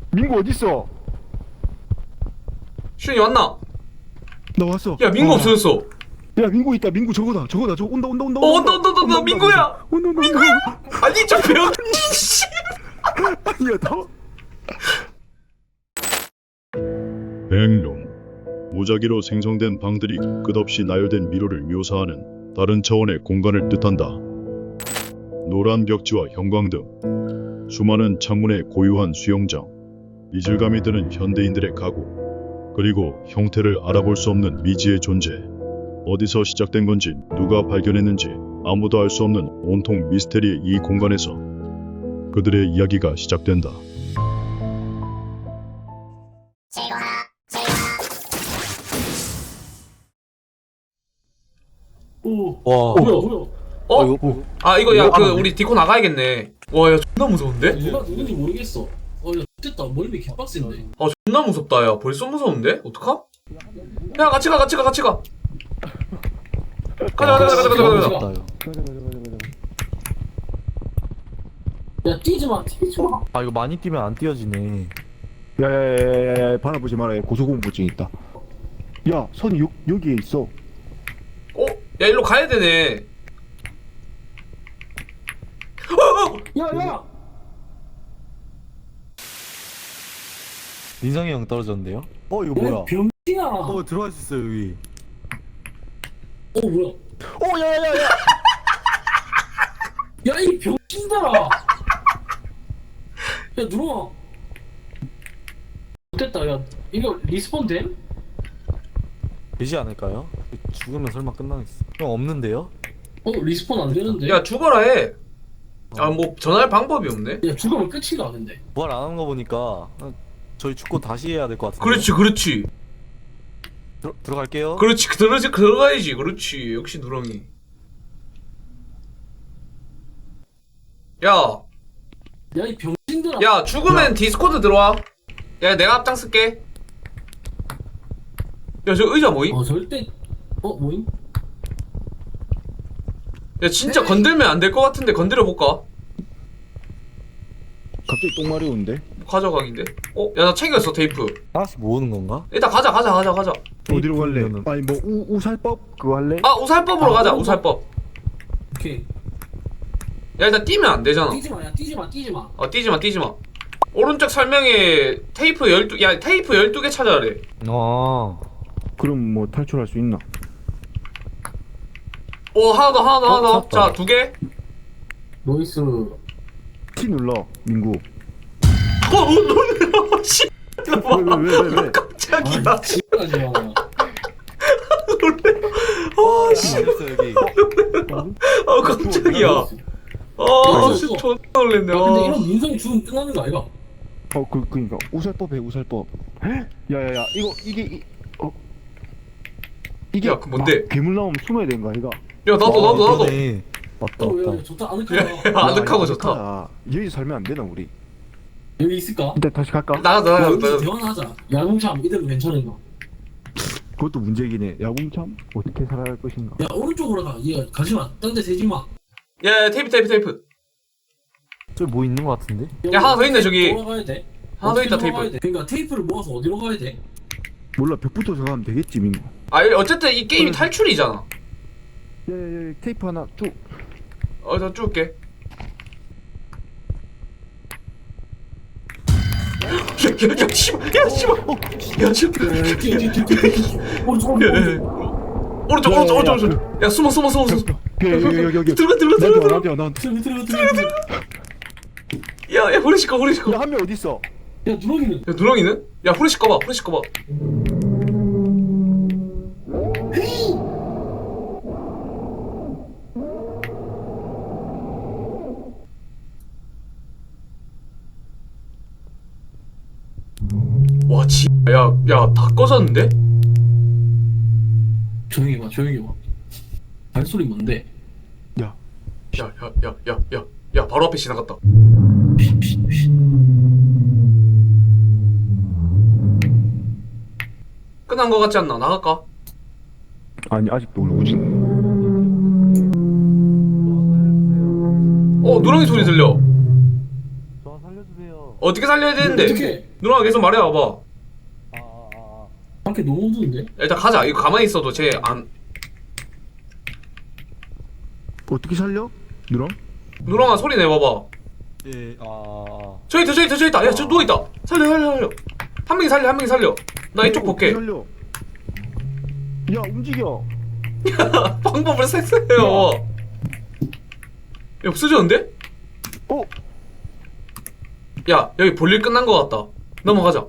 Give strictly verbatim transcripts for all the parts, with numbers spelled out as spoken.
민구 어딨어? 슈이 왔나? 나 왔어. 야 민구 어. 없어졌어. 야 민구 있다. 민구 저거다. 저거다. 저거 온다 온다 온다. 어 온다 온다 온다 온다 민구야. 온다 온다. 민구야. 아니 저 병. 씨. 아니야 더. 백룸. 무작위로 생성된 방들이 끝없이 나열된 미로를 묘사하는 다른 차원의 공간을 뜻한다. 노란 벽지와 형광등, 수많은 창문의 고유한 수영장, 이질감이 드는 현대인들의 가구, 그리고 형태를 알아볼 수 없는 미지의 존재. 어디서 시작된 건지 누가 발견했는지 아무도 알 수 없는 온통 미스테리의 이 공간에서 그들의 이야기가 시작된다. 오, 와. 뭐야, 뭐야? 어? 이거 아 이거 야 그 하는데? 우리 디코 나가야겠네. 와 야 존나 무서운데? 누가 누군지 모르겠어. 어, 야, 됐다. 멀미 개빡센데. 아 존나 무섭다 야 벌써 무서운데? 어떡함? 야 같이 가 같이 가 같이 가. 가자 가자 가자 가자 가자 가자. 야, 뛰지 마, 뛰지 마. 아 이거 많이 뛰면 안 뛰어지네. 야야야야야 바라보지 마라. 고소공포증 있다. 야 선이 여, 여기에 있어. 어? 야 일로 가야 되네. 어, 어. 야, 야! 민성이 형 떨어졌는데요? 어 이거 뭐야? 야, 병신아! 어 들어갈 수 있어요 여기. 어, 뭐야? 오 야야야야. 야, 이 병신들아! 야, 들어와. 됐다, 야. 이거 리스폰 됨? 되지 않을까요? 죽으면 설마 끝나겠어. 형 없는데요? 어, 리스폰 안 되는데? 야 죽어라 해. 아 뭐 전화할 방법이 없네. 야, 죽으면 끝이가, 근데. 부활 안 하는 거 보니까 어, 저희 죽고 다시 해야 될 것 같은데. 그렇지 그렇지 들어, 들어갈게요. 그렇지 들어가지 들어가야지 그렇지 역시 누렁이. 야 야, 이 병신들아! 야 죽으면 디스코드 들어와. 야 내가 앞장 쓸게. 야 저 의자 뭐임? 어, 절대. 어, 뭐임? 야 진짜 건들면 안 될 것 같은데 건드려 볼까? 갑자기 똥말이 오는데? 가져가긴데. 어? 야 나 챙겼어 테이프. 하나씩 모으는 건가? 일단 가자 가자 가자 가자. 어디로 갈래? 테이프면은- 아니 뭐 우, 우살법 그거 할래? 아 우살법으로 아, 가자 그럼 우살법. 오케이. 야 일단 뛰면 안 되잖아. 뛰지 마, 야, 뛰지 마, 뛰지 마. 어 뛰지마 뛰지마. 오른쪽 설명에 테이프 열두 야 테이프 열두 개 찾아래. 아. 그럼 뭐 탈출할 수 있나? 오 하나 더 하나 더 하나 더. 찾았다. 자 두 개. 노이스. T 눌러 민구. 어, 어, 놀래. 씨. 왜 왜 왜 왜? 깜짝이야. 아, 지금까지 와. 놀래. 어, 씨. 어딨어 여기? 아, 깜짝이야. 아, 진짜 존나 놀랬네. 야, 근데 아. 이런 민성이 죽으면 끝나는 거 아이가? 어그 그니까 우살법 해 우살법. 야야야 이거 이게 이, 어 이게 야, 그 뭔데? 막 괴물 나오면 숨어야 되는 거 아이가? 야, 나도, 나도, 나도. 그러네. 맞다 어, 맞다. 야, 좋다. 야, 아늑하다. 야, 아늑하고 야, 좋다. 아늑하다. 여기 살면 안 되나 우리? 여기 있을까? 일단 다시 갈까? 나가자, 야, 나가자, 여기서 나가자. 대화나 하자. 야동참 이대로 괜찮은가? 그것도 문제긴 해. 야구참 어떻게 살아갈 것인가? 야, 오른쪽으로 가. 얘 가지 마. 딴 데 대지 마. 야, 야, 테이프, 테이프, 테이프. 저기 뭐 있는 거 같은데? 야, 하나 더 있네, 저기. 돌아가야 돼. 하나 더 있다, 어떻게 돌아가야 테이프. 돼? 그러니까 테이프를 모아서 어디로 가야 돼? 몰라 벽부터 들어가면 되겠지 민구. 아, 어쨌든 이 게임이 탈출이잖아. 야야야 테이프 하나 쭉. 어, 나 쭉게. 야, 야, 야, 씨발, 야, 씨발. 야, 씨발. 야, 뛰어, 뛰어, 뛰어, 뛰어, 뛰어. 오른쪽, 야, 야, 오른쪽. 야. 오른쪽, 오른쪽, 오른쪽, 오른쪽. 야, 숨어, 숨어, 숨어, 숨어. 여기 여기 여기 여기. 들어가, 들어가, 들어가, 들어가. 나한테 와 나한테. 들어가, 들어가, 들어가, 들어가. 야, 야, 후레쉬 꺼, 후레쉬 꺼. 야, 야한 명 어디 있어? 야, 누렁이는? 누렁이는? 야, 후레쉬 꺼봐, 후레쉬 꺼봐. 와, 지, 야, 야, 다 꺼졌는데? 조용히 봐, 조용히 봐. 발소리 뭔데? 야 야, 야, 야, 야, 야, 야, 바로 앞에 지나갔다. 끝난 거 같지 않나? 나갈까? 아니 아직도 누구지? 어, 누렁이 소리 들려. 저 살려주세요. 어떻게 살려야 되는데? 어떻게? 누나가 계속 말해봐봐. 밖에 너무 어두운데? 일단 가자. 이거 가만히 있어도 쟤 안. 어떻게 살려? 누랑? 누나가 소리 내봐봐. 예, 아, 아. 저기 있다, 저기 있다, 저기 있다. 야, 저 누워 있다. 살려, 살려, 살려. 한 명이 살려, 한 명이 살려. 나 이쪽 볼게. 살려. 야 움직여. 방법을 쎄쎄해요. 야, 없어졌는데? 어? 야, 여기 볼일 끝난 것 같다. 넘어가자.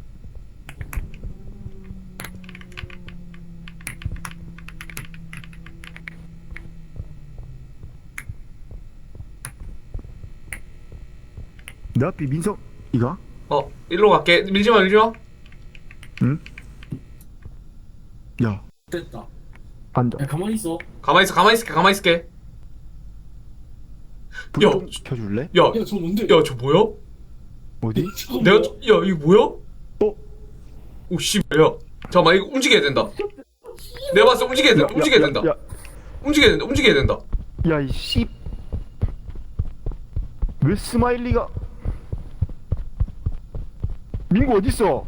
내 앞이 민성 이가? 어, 일로 갈게. 밀지 마, 밀지 마. 응? 야 됐다. 앉아. 야 가만히 있어. 가만히 있어, 가만히 있을게, 가만히 있을게. 불 야. 좀 켜줄래? 야, 야 저 뭔데? 야, 저 뭐야? 어디? 저거 내가, 뭐야? 저- 야, 이거 뭐야? 어? 오, 씨, 뭐야? 잠깐만, 이거 움직여야 된다. 내가 봤을 때 움직여야 된다, 움직여야 된다. 야, 움직여야 된다, 움직여야 된다. 야, 이 씨. 왜 스마일리가? 민구 어딨어?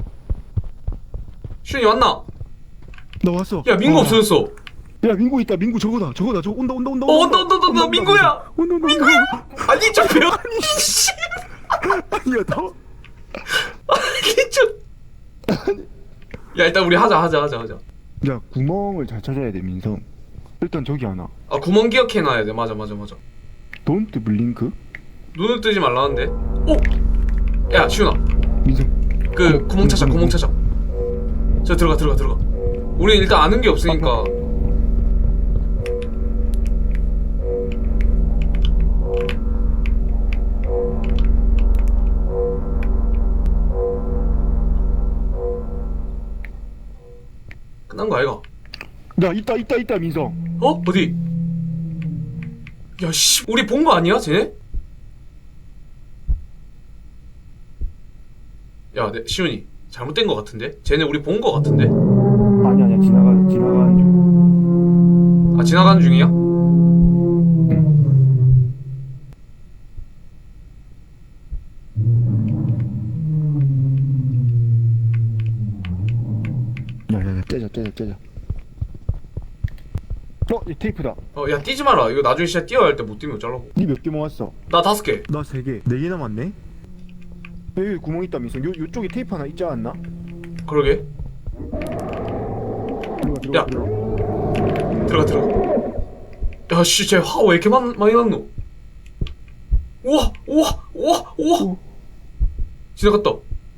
슈니 왔나? 나 왔어. 야, 민구 아. 없어졌어. 야, 민구 있다. 민구 저거다. 저거다. 저거 온다, 온다, 온다. 어, 온다, 온다, 온다, 온다, 민구야. 온다, 온다, 민구야. 아니, 저 벽, 씨. 아니야, 나. 아니, 저. 야, 일단 우리 하자, 하자, 하자, 하자. 야, 구멍을 잘 찾아야 돼, 민성. 일단 저기 하나. 아, 구멍 기억해놔야 돼. 맞아, 맞아, 맞아. Don't blink. 눈을 뜨지 말라는데. 오! 야, 시훈아. 민성. 그, 구멍 찾아, 구멍 찾아. 저 들어가, 들어가, 들어가. 우리 일단 아는 게 없으니까. 끝난 거 아이가? 야, 있다, 있다, 있다, 민성. 어? 어디? 야, 씨, 우리 본 거 아니야, 쟤네? 야, 내, 시훈이. 잘못된 거 같은데? 쟤네 우리 본 거 같은데? 아니, 아니야, 지나가, 지나가는 중. 아, 지나가는 중이야? 야, 야, 야, 떼자, 떼자, 떼자. 어, 이 테이프다. 어, 야, 뛰지 마라. 이거 나중에 진짜 뛰어야 할 때 못 뛰면 어쩌라고. 니 몇 개 모았어? 나 다섯 개. 나 세 개. 네 개 남았네. 여기 구멍 있다, 민성. 요, 요쪽에 테이프 하나 있지 않나? 그러게. 들어가, 들어가, 야. 들어가. 들어가, 들어가. 야, 씨, 쟤 화 왜 이렇게 많, 많이 났노? 우와, 우와, 우와, 우와. 오. 지나갔다.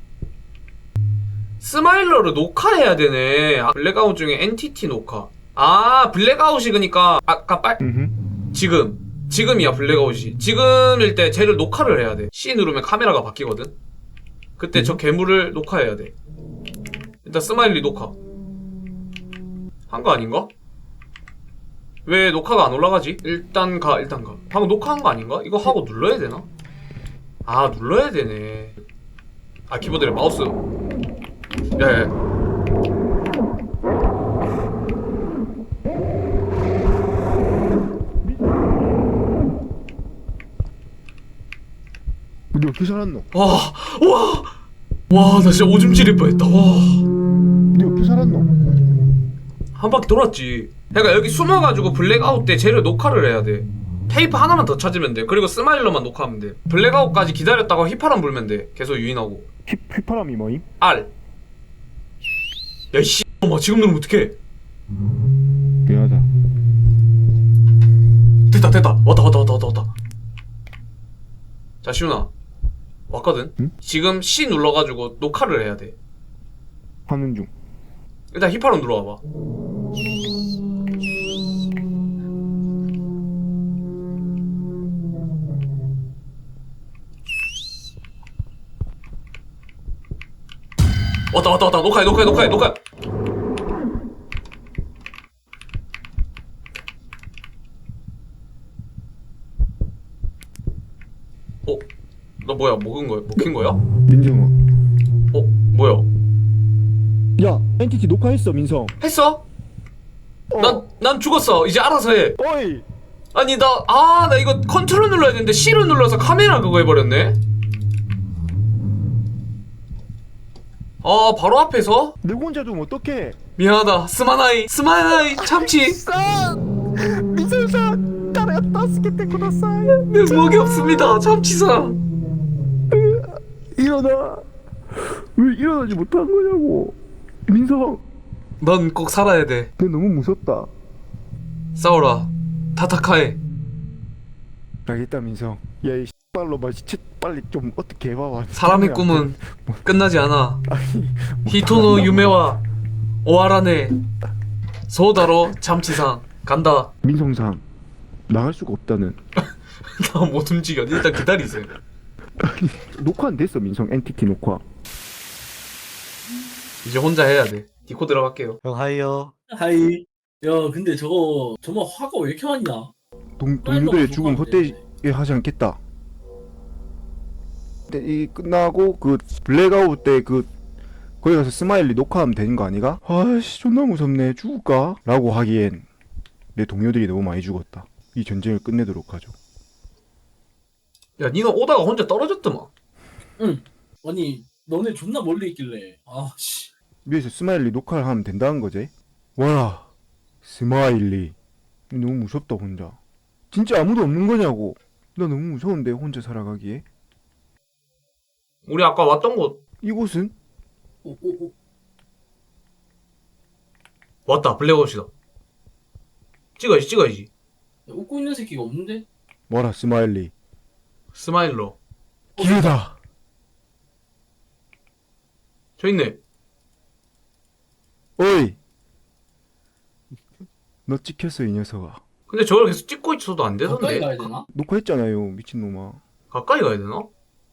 스마일러를 녹화해야 되네. 아, 블랙아웃 중에 엔티티 녹화. 아, 블랙아웃이 그니까 아까 빨 음. 지금 지금이야 블랙아웃이. 지금일 때 쟤를 녹화를 해야 돼. C 누르면 카메라가 바뀌거든. 그때 저 괴물을 녹화해야 돼. 일단 스마일리 녹화 한 거 아닌가? 왜 녹화가 안 올라가지? 일단 가 일단 가. 방금 녹화한 거 아닌가? 이거 하고 눌러야 되나? 아, 눌러야 되네. 아, 키보드에 마우스. 야야. 근데 어떻게 살았노? 와, 와, 와, 나 진짜 오줌 지릴 뻔했다. 와, 근데 어떻게 살았노? 한 바퀴 돌았지. 그러니까 여기 숨어가지고 블랙아웃 때 쟤를 녹화를 해야 돼. 테이프 하나만 더 찾으면 돼. 그리고 스마일러만 녹화하면 돼. 블랙아웃까지 기다렸다가 휘파람 불면 돼. 계속 유인하고. 휘, 휘파람이 뭐임? R. 야, 이씨, 엄마 지금 누르면 어떡해? 미안하다. 됐다, 됐다. 왔다, 왔다, 왔다, 왔다, 왔다. 자, 시훈아. 왔거든? 응? 지금 C 눌러가지고 녹화를 해야 돼. 하는 중. 일단 휘파람 눌러와봐. 왔다, 왔다, 왔다. 녹화해, 녹화해, 녹화해, 녹화해. 어? 너 뭐야? 먹은 거야? 먹힌 거야? 민정아. 어? 뭐야? 야, 엔티티 녹화했어, 민성. 했어? 어. 난, 난 죽었어. 이제 알아서 해. 어이. 아니, 나, 아, 나 이거 컨트롤 눌러야 되는데 C를 눌러서 카메라 그거 해버렸네? 아 바로 앞에서? 내 혼자 좀 어떡해. 미안하다 스마나이 스마나이 참치 미성상 나를 따스게 쿠다사이. 면목이 없습니다 참치상. 일어나. 왜 일어나지 못한 거냐고. 민성, 넌 꼭 살아야 돼. 내 너무 무섭다. 싸워라 타타카에. 알겠다 민성. 야이 빨로 마 시체 빨리 좀 어떻게 해봐봐. 사람의 꿈은 끝나지 않아. 아니 히토노 유메와 오하라네 소다로 참치상 간다. 민성상 나갈 수가 없다는. 나 못 움직여. 일단 기다리세요. 녹화 안 됐어 민성. 엔티티 녹화. 이제 혼자 해야 돼. 디코 들어갈게요. 형 하이요. 하이. 야 근데 저거 정말 화가 왜 이렇게 많냐? 동 빨리 동료들의 넘어가면 죽음 되는데. 헛되이 하지 않겠다. 근데 이 끝나고 그 블랙아웃 때 그 거기 가서 스마일리 녹화하면 되는 거 아니가? 아씨 존나 무섭네. 죽을까? 라고 하기엔 내 동료들이 너무 많이 죽었다. 이 전쟁을 끝내도록 하죠. 야 니는 오다가 혼자 떨어졌더만. 응. 아니 너네 존나 멀리 있길래. 아씨. 위에서 스마일리 녹화를 하면 된다는 거지? 와라 스마일리. 너무 무섭다 혼자. 진짜 아무도 없는 거냐고. 나 너무 무서운데 혼자 살아가기에. 우리 아까 왔던 곳 이곳은? 오오오. 왔다. 블랙아웃이다. 찍어야지 찍어야지. 웃고 있는 새끼가 없는데? 뭐라 스마일리. 스마일러. 기회다. 저 있네. 어이 너 찍혔어 이 녀석아. 근데 저걸 계속 찍고 있어도 안 가까이 되던데. 가야 되나? 녹화했잖아요 미친놈아. 가까이 가야 되나?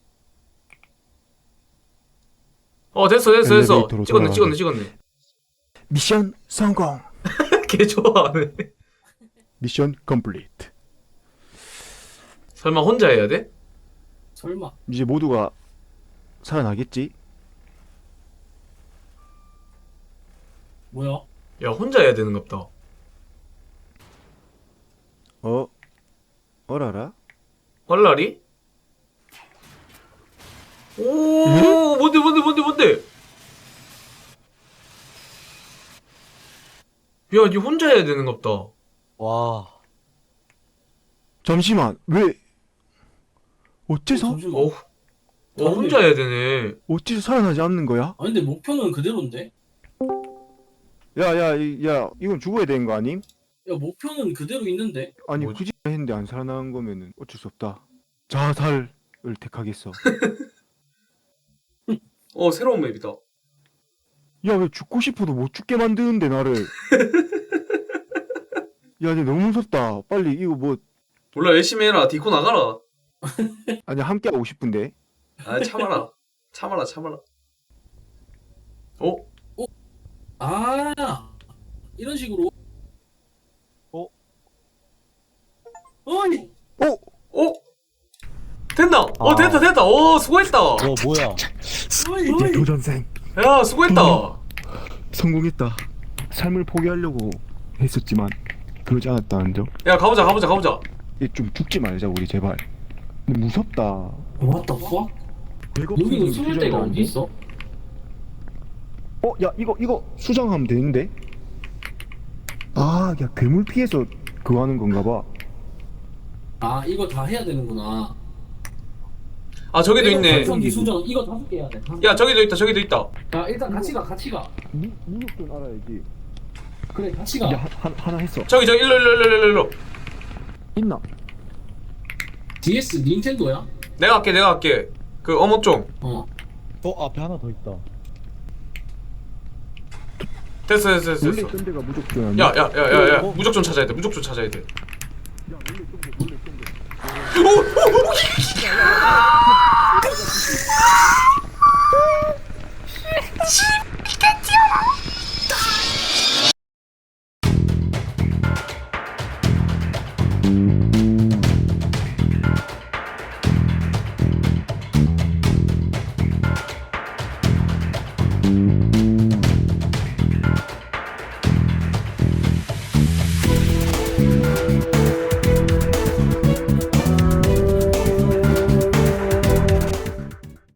어 됐어 됐어 됐어. 엘리베이터로 찍었네 돌아가게. 찍었네 찍었네. 미션 성공. 개 좋아하네. 미션 컴플리트. 설마 혼자 해야 돼? 설마. 이제 모두가 살아나겠지? 뭐야? 야 혼자 해야 되는 갑다. 어? 어라라? 헐라리? 오 뭔데 뭔데 뭔데 뭔데? 야 니 혼자 해야 되는 갑다. 와. 잠시만 왜 어째서? 잠시만. 어우 어 혼자 해야 되네. 어째서 살아나지 않는 거야? 아 근데 목표는 그대로인데? 야야 야 이건 죽어야 되는 거 아님? 야 목표는 그대로 있는데? 아니 뭐지? 굳이 했는데 안 살아나는 거면은 어쩔 수 없다. 자살을 택하겠어. 어 새로운 맵이다. 야 왜 죽고 싶어도 못 죽게 만드는데 나를. 야 근데 너무 무섭다. 빨리 이거 뭐 몰라 열심히 해라. 디코 나가라. 아니 함께 하고 싶은데. 아 참아라. 참아라 참아라. 어? 아 이런 식으로. 어? 어이. 어? 어? 됐나? 어 아. 됐다 됐다. 오 수고했다. 어 뭐야? 어이. 어이. 도전생 야 수고했다. 성공했다. 삶을 포기하려고 했었지만 그러지 않았다는 점. 야 가보자 가보자 가보자. 얘 좀 죽지 말자 우리 제발. 근데 무섭다. What the fuck? 여기는 숨을 데가 어디 있어? 어, 야 이거 이거 수정하면 되는데? 아, 야 괴물 피해서 그거 하는 건가 봐. 아 이거 다 해야 되는구나. 아 저기도 있네. 발전기 수정 이거 다섯 개 해야 돼. 다섯 개. 야 저기도 있다 저기도 있다. 야 일단 같이 가 같이 가. 무 무력좀 알아야지. 그래 같이 가. 야 하, 하나 했어. 저기 저기 일로 일로 일로 일로 일로. 있나? 디에스 닌텐도야? 내가 할게 내가 할게. 그 어묵종. 어. 어 앞에 하나 더 있다. 됐어 됐어 됐어 원래 됐어. 있던 데가 무조건 아니야. 야야야야야 어, 어. 무적종 찾아야 돼 무적종 찾아야 돼. 야 원래 있던 데 원래 있던 데.